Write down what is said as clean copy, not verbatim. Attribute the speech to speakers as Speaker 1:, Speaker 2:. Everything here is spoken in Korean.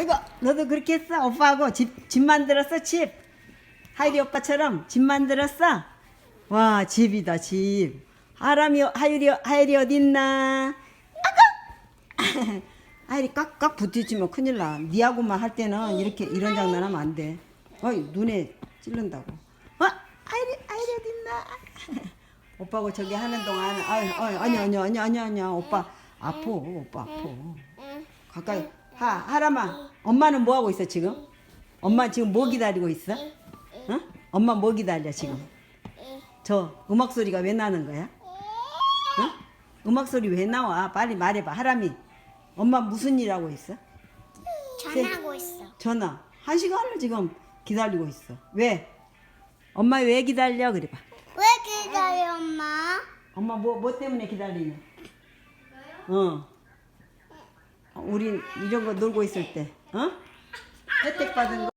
Speaker 1: 아이고, 너도 그렇게 했어? 오빠하고 집 만들었어, 집? 하율이 오빠처럼 집 만들었어? 와, 집이다, 집. 하율이 어딨나? 아까! 하율이 깍깍 부딪히면 큰일 나. 니하고만 할 때는 이런 장난하면 안 돼. 어이, 눈에 찔른다고. 하율이 어딨나? 오빠하고 저기 하는 동안, 아니야. 오빠 아파. 가까이. 하람아, 엄마는 뭐 하고 있어, 지금? 엄마 지금 뭐 기다리고 있어? 어? 엄마 뭐 기다려, 지금? 저 음악 소리가 왜 나는 거야? 어? 음악 소리 왜 나와? 빨리 말해봐. 하람이, 엄마 무슨 일 하고 있어?
Speaker 2: 전화하고 있어.
Speaker 1: 전화. 1시간을 지금 기다리고 있어. 왜? 엄마 왜 기다려? 그래봐.
Speaker 2: 왜 기다려, 엄마?
Speaker 1: 엄마 뭐 때문에 기다리냐? 우린 이런 거 놀고 있을 때, 혜택 받은 거.